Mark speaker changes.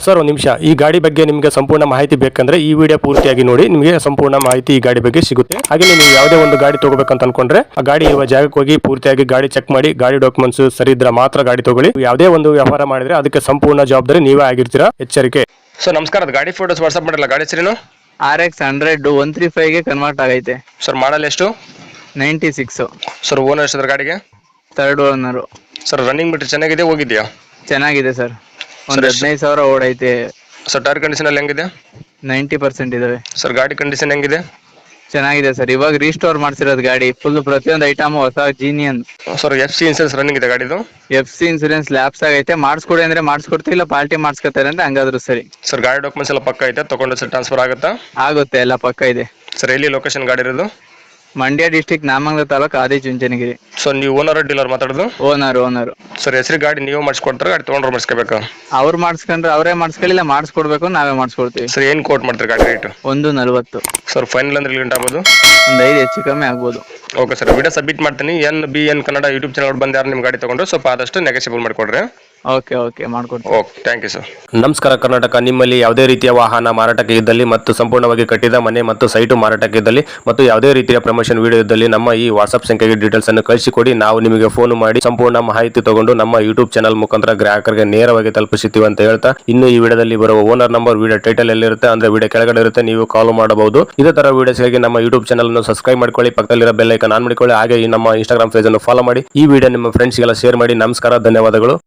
Speaker 1: Sir ಒಂದು ನಿಮಿಷ, ಈ ಗಾಡಿ ಬಗ್ಗೆ ನಿಮಗೆ ಸಂಪೂರ್ಣ ಮಾಹಿತಿ ಬೇಕಂದ್ರೆ ಈ ವಿಡಿಯೋ ಪೂರ್ತಿಯಾಗಿ ನೋಡಿ, ನಿಮಗೆ ಸಂಪೂರ್ಣ ಮಾಹಿತಿ ಈ ಗಾಡಿ ಬಗ್ಗೆ ಸಿಗುತ್ತೆ. ಹಾಗೆ ನೀವು ಯಾವುದೇ ಒಂದು ಗಾಡಿ ತಗೋಬೇಕಂತ ಅನ್ಕೊಂಡ್ರೆ ಆ ಗಾಡಿ ಇರುವ ಜಾಗಕ್ಕೆ ಹೋಗಿ ಪೂರ್ತಿಯಾಗಿ ಗಾಡಿ ಚೆಕ್ ಮಾಡಿ, ಗಾಡಿ ಡಾಕ್ಯುಮೆಂಟ್ಸ್ ಸರಿ ಇದ್ರೆ ಮಾತ್ರ ಗಾಡಿ ತಗೊಳ್ಳಿ. ಯಾವುದೇ ಒಂದು ವ್ಯವಹಾರ ಮಾಡಿದ್ರೆ ಅದಕ್ಕೆ ಸಂಪೂರ್ಣ ಜವಾಬ್ದಾರಿ ನೀವೇ ಆಗಿರ್ತೀರಾ, ಎಚ್ಚರಿಕೆ.
Speaker 2: ಸರ್ ನಮಸ್ಕಾರ, ಗಾಡಿ ಫೋಟೋಸ್ ವಾಟ್ಸ್ಆಪ್ ಮಾಡಲ್ಲ. ಗಾಡಿ ಹೆಸರೇನು?
Speaker 3: RX 100 135 ಗೆ ಕನ್ವರ್ಟ್ ಆಗೈತೆ.
Speaker 2: ಸರ್ ಮಾಡಲ್ ಎಷ್ಟು?
Speaker 3: 96.
Speaker 2: ಸರ್ ಓನರ್ ಎಷ್ಟಿದ್ರೆ ಗಾಡಿಗೆ?
Speaker 3: Third owner.
Speaker 2: Sir running meter ಚೆನ್ನಾಗಿದೆ, ಹೋಗಿದೆಯಾ?
Speaker 3: ಚೆನ್ನಾಗಿದೆ ಸರ್, ಒಂದು 15,000 ಓಡೈತೆ.
Speaker 2: ಸರ್ ಟೈರ್ ಕಂಡೀಷನ್ ಅಲ್ಲಿ ಹೆಂಗಿದೆ?
Speaker 3: 90% ಇದಾವೆ.
Speaker 2: ಸರ್ ಗಾಡಿ ಕಂಡೀಷನ್ ಹೆಂಗಿದೆ?
Speaker 3: ಚೆನ್ನಾಗಿದೆ ಸರ್, ಇವಾಗ ರೀಸ್ಟೋರ್ ಮಾಡ್ಸಿರೋದು ಗಾಡಿ. ಫುಲ್ ಪ್ರತಿಯೊಂದು ಐಟಮ್ ಹೊಸ genuine.
Speaker 2: Sir FC insurance running ಇದೆ ಗಾಡಿದು?
Speaker 3: FC ಇನ್ಸೂರೆನ್ಸ್ ಲ್ಯಾಪ್ಸ್ ಆಗೈತೆ. ಮಾಡಿಸ್ಕೊಡಿ ಅಂದ್ರೆ ಮಾಡಿಸ್ಕೊಡ್ತೀವಿ, ಇಲ್ಲ ಪಾರ್ಟಿ ಮಾಡಿಸ್ಕೊತಾರೆ ಅಂದ್ರೆ ಹಂಗಾದ್ರು ಸರಿ.
Speaker 2: ಸರ್ ಗಾಡಿ ಡಾಕ್ಯುಮೆಂಟ್ಸ್ ಎಲ್ಲ ಪಕ್ಕ ಐತೆ, ತಗೊಂಡು ಸರ್ ಟ್ರಾನ್ಸ್ಫರ್ ಆಗುತ್ತಾ?
Speaker 3: ಆಗುತ್ತೆ, ಎಲ್ಲ ಪಕ್ಕ ಇದೆ.
Speaker 2: ಸರ್ ಎಲ್ಲಿ ಲೊಕೇಶನ್ ಗಾಡಿ ಇರೋದು?
Speaker 3: ಮಂಡ್ಯ ಡಿಸ್ಟಿಕ್, ನಾಮಂಗಲ ತಾಲೂಕು, ಆದಿಚುಂಚನಗಿರಿ.
Speaker 2: ಸೊ ನೀವು ಓನರ್ ಡೀಲರ್ ಮಾತಾಡೋದು?
Speaker 3: ಓನರ್.
Speaker 2: ಸರ್ ಹೆಸರು ಗಾಡಿ ನೀವು ಮಾಡಿಸ್ಕೊಡ್ತಾರೆ, ಗಾಡಿ ತೊಗೊಂಡ್ರೆ ಮಾಡಿಸ್ಕೋಬೇಕಾ?
Speaker 3: ಅವ್ರು ಮಾಡಿಸ್ಕೊಂಡ್ರೆ ಅವರೇ ಮಾಡಿಸ್ಕೊಳ್ಳಿಲ್ಲ, ಮಾಡಿಸ್ಕೊಡ್ಬೇಕು ನಾವೇ ಮಾಡಿಸ್ಕೊಡ್ತೀವಿ.
Speaker 2: ಸರ್ ಏನು ಕೋಟ್ ಮಾಡ್ತಾರೆ ಗಾಡಿ ರೇಟ್?
Speaker 3: 140.
Speaker 2: ಸರ್ ಫೈನಲ್ ಅಂದ್ರೆ ಲಿಮಿಟ್ ಆಗ್ಬೋದು?
Speaker 3: ಒಂದು 5 ಹೆಚ್ಚು ಕಮ್ಮಿ ಆಗ್ಬೋದು.
Speaker 2: ಓಕೆ ಸರ್, ವಿಡಿಯೋ ಸಬ್ಮಿಟ್ ಮಾಡ್ತೀನಿ. NBN ಕನ್ನಡ ಯೂಟ್ಯೂಬ್ ಚಾನಲ್ ಬಂದು ಯಾರು ನಿಮ್ಮ ಗಾಡಿ ತಗೊಂಡ್ರು ಸ್ವಲ್ಪ ಆದಷ್ಟು ನೆಗೋಷಿಯಬಲ್ ಮಾಡಿಕೊಡ್ರಿ.
Speaker 3: ಓಕೆ ಮಾಡ್ಕೊಡ್ತೀವಿ.
Speaker 2: Okay, thank you sir.
Speaker 1: ನಮಸ್ಕಾರ ಕರ್ನಾಟಕ. ನಿಮ್ಮಲ್ಲಿ ಯಾವುದೇ ರೀತಿಯ ವಾಹನ ಮಾರಾಟಕ್ಕೆ ಇದ್ದಲ್ಲಿ ಮತ್ತು ಸಂಪೂರ್ಣವಾಗಿ ಕಟ್ಟಿದ ಮನೆ ಮತ್ತು ಸೈಟು ಮಾರಾಟಕ್ಕೆ ಇದ್ದಲ್ಲಿ ಮತ್ತು ಯಾವುದೇ ರೀತಿಯ ಪ್ರಮೋಷನ್ ವಿಡಿಯೋ ಇದ್ದಲ್ಲಿ ನಮ್ಮ ಈ ವಾಟ್ಸ್ಆಪ್ ಸಂಖ್ಯೆಗೆ ಡೀಟೇಲ್ಸ್ ಅನ್ನು ಕಳಿಸಿಕೊಡಿ. ನಾವು ನಿಮಗೆ ಫೋನ್ ಮಾಡಿ ಸಂಪೂರ್ಣ ಮಾಹಿತಿ ತಗೊಂಡು ನಮ್ಮ ಯೂಟ್ಯೂಬ್ ಚಾನಲ್ ಮುಖಾಂತರ ಗ್ರಾಹಕರಿಗೆ ನೇರವಾಗಿ ತಲುಪಿಸುತ್ತೀವಿ ಅಂತ ಹೇಳ್ತಾ, ಇನ್ನು ಈ ವಿಡಿಯೋದಲ್ಲಿ ಬರುವ ಓನರ್ ನಂಬರ್ ವಿಡಿಯೋ ಟೈಟಲ್ ಎಲ್ಲಿರುತ್ತೆ ಅಂದ್ರೆ ವಿಡಿಯೋ ಕೆಳಗಡೆ ಇರುತ್ತೆ, ನೀವು ಕಾಲ್ ಮಾಡಬಹುದು. ಇದೇ ತರ ವಿಡಿಯೋಸ್ಗಾಗಿ ನಮ್ಮ ಯೂಟ್ಯೂಬ್ ಚಾನಲ್ ಅನ್ನು ಸಬ್ಸ್ಕ್ರೈಬ್ ಮಾಡ್ಕೊಳ್ಳಿ, ಪಕ್ಕದಲ್ಲಿರೋ ಬೆಲ್ ಐಕಾನ್ ಆನ್ ಮಾಡಿಕೊಳ್ಳಿ. ಹಾಗೆ ಈ ನಮ್ಮ ಇನ್ಸ್ಟಾಗ್ರಾಮ್ ಪೇಜ್ ಅನ್ನು ಫಾಲೋ ಮಾಡಿ. ಈ ವಿಡಿಯೋ ನಿಮ್ಮ ಫ್ರೆಂಡ್ಸ್ಗೆಲ್ಲ ಶೇರ್ ಮಾಡಿ. ನಮಸ್ಕಾರ, ಧನ್ಯವಾದಗಳು.